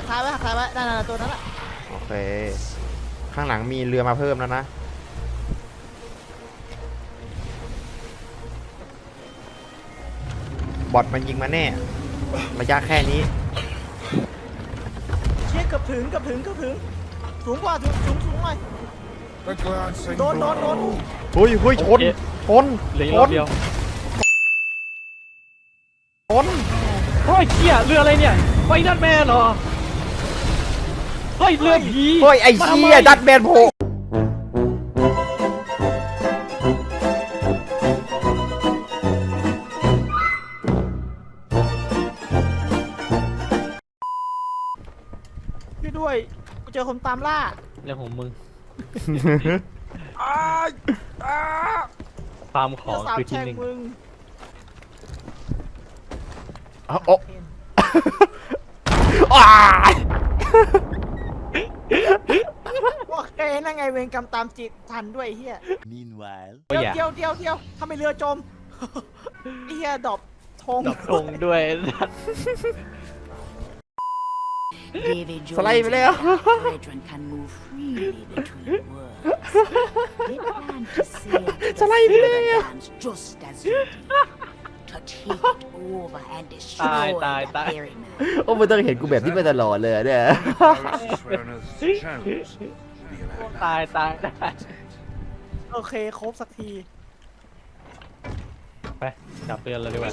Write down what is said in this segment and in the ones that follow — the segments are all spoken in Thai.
ท้ายไว้หักท้ายไว้นั่นตัวนั้นแหละโอเคข้างหลังมีเรือมาเพิ่มแล้วนะบอทมันยิงมาแน่ระยะแค่นี้เชี่ยเกือบถึงสูงกว่าสูงหน่อยโดนหุ้ยชนเหลือรอบเดียวเฮ้ยเหี้ยเรืออะไรเนี่ยไฟดัดแมนเหรอเฮ้ยเรือผีเฮ้ยไอ้เชี่ยดัดแมนโผล่ด้วยกูเจอคนตามล่าเรื่องของมึงฟาร์มของคือที่หนึ่งโอ้โอเคนั่นไงเวรกรรมตามจิตทันด้วยเฮีย Meanwhile เดียวทำไมเรือจมเฮียดอบธงด้วยสไลด์ไปแล้ว สไลด์ไปแล้วตายโอ้ไม่ต้องเห็นกูแบบที่ไปตลอดเลยเนี่ยตายโอเคครบสักทีไปจับเรือเลยดีกว่า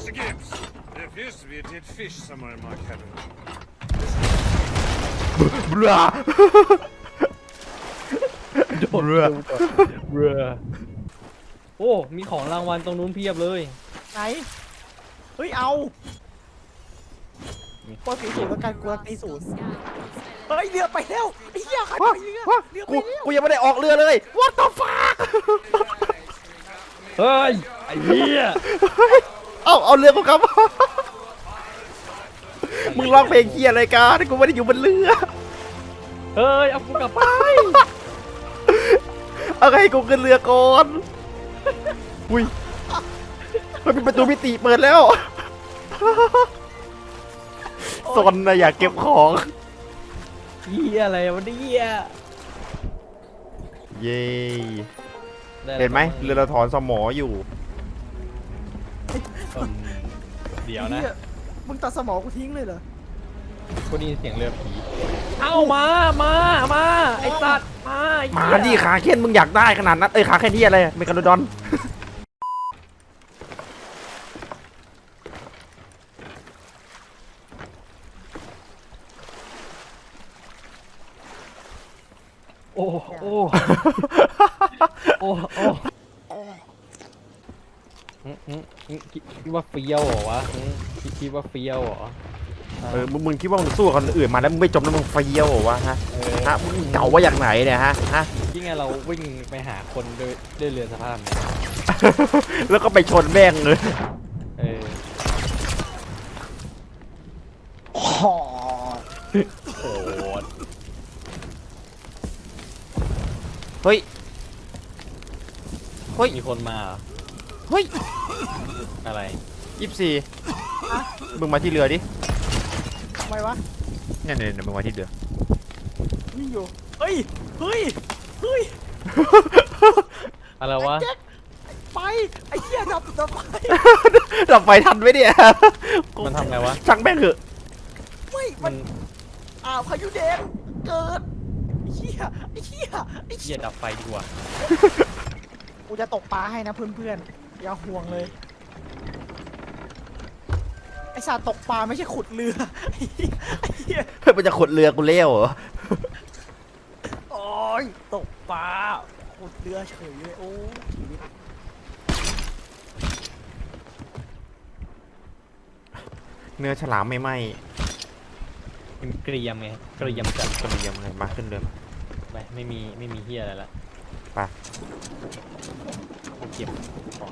เรือโอ้มีของรางวัลตรงนู้นเพียบเลยไหนเฮ้ยเอากลัวตีศูนย์แล้วกันกลัวตีศูนย์เฮ้ยเรือไปแล้วไอ้เหี้ยใครไปเรือไปแล้วกูยังไม่ได้ออกเรือเลย What the fuck เฮ้ยไอ้เหี้ยเอาเรือกูกลับมึงร้องเพลงเหี้ยอะไรกันกูไม่ได้อยู่บนเรือเฮ้ยเอากูกลับไปเอาให้กูขึ้นเรือก่อนอุ้ยมันเป็นประตูมิติเปิดแล้วซนนะอยากเก็บของเหี้ยอะไรวะเนี่ยเย้เห็นไหมเรือเราถอนสมออยู่เดี๋ยวนะมึงตัดสมอกูทิ้งเลยเหรอกูได้ยินเสียงเรือผีเอามาไอ้สัตว์มาดิขาเค้นมึงอยากได้ขนาดนั้นขาแค่ที่อะไรเมกาโดดอนโอ้คิดว่าเฟี้ยวเหรอวะคิดว่าเฟี้ยวเหรอมึงคิดว่ามึงสู้คนอื่นมาแล้วมึงไม่จมแล้วมึงเฟี้ยวเหรอวะฮะมึงเก่าว่าอย่างไหนเนี่ยฮะที่ไงเราวิ่งไปหาคนด้วยเรือสภาพแล้วก็ไปชนแม่งเลยโหดเฮ้ยมีคนมาเฮ้ยอะไร 24มึงมาที่เรือดิทำไมวะเนี่ยมึงมาที่เรือวิ่งอยู่เฮ้ยอะไรวะไปไอ้เหี้ยดับไฟทันไหมเนี่ยมันทำไงวะช่างแม่งเถอะไม่มันพายุแดงเกิดไอ้เหี้ยดับไฟดีกว่ากูจะตกปลาให้นะเพื่อนๆอย่าห่วงเลยไอ้สาตกปลาไม่ใช่ขุดเรือไอ้เหี้ยมันจะขุดเรือกูเลี้ยวเหรอโอ้ยตกปลาขุดเรือเฉยเลยโอ้ชีวิตเนื้อฉลามไม่ไหมเป็นเกรียมไงเกรียมจัดไงมาขึ้นเรือไปไม่มีเหี้ยอะไรละไปเก็บของ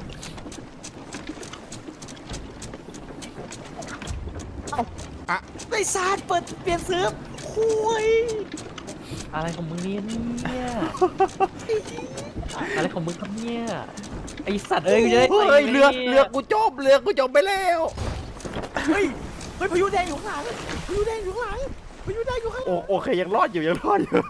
ไอ้ซาดเปลี่ยนเสื้อคุยอะไรของมึงเนี่ยอะไรของมึงครับเนี่ยไอสัตว์กูจะได้เรือกูจมไปแล้วเฮ้ยพายุแดงอยู่ข้างหลังพายุแดงอยู่ข้างโอเคยังรอดอยู่ยังรอดอยู่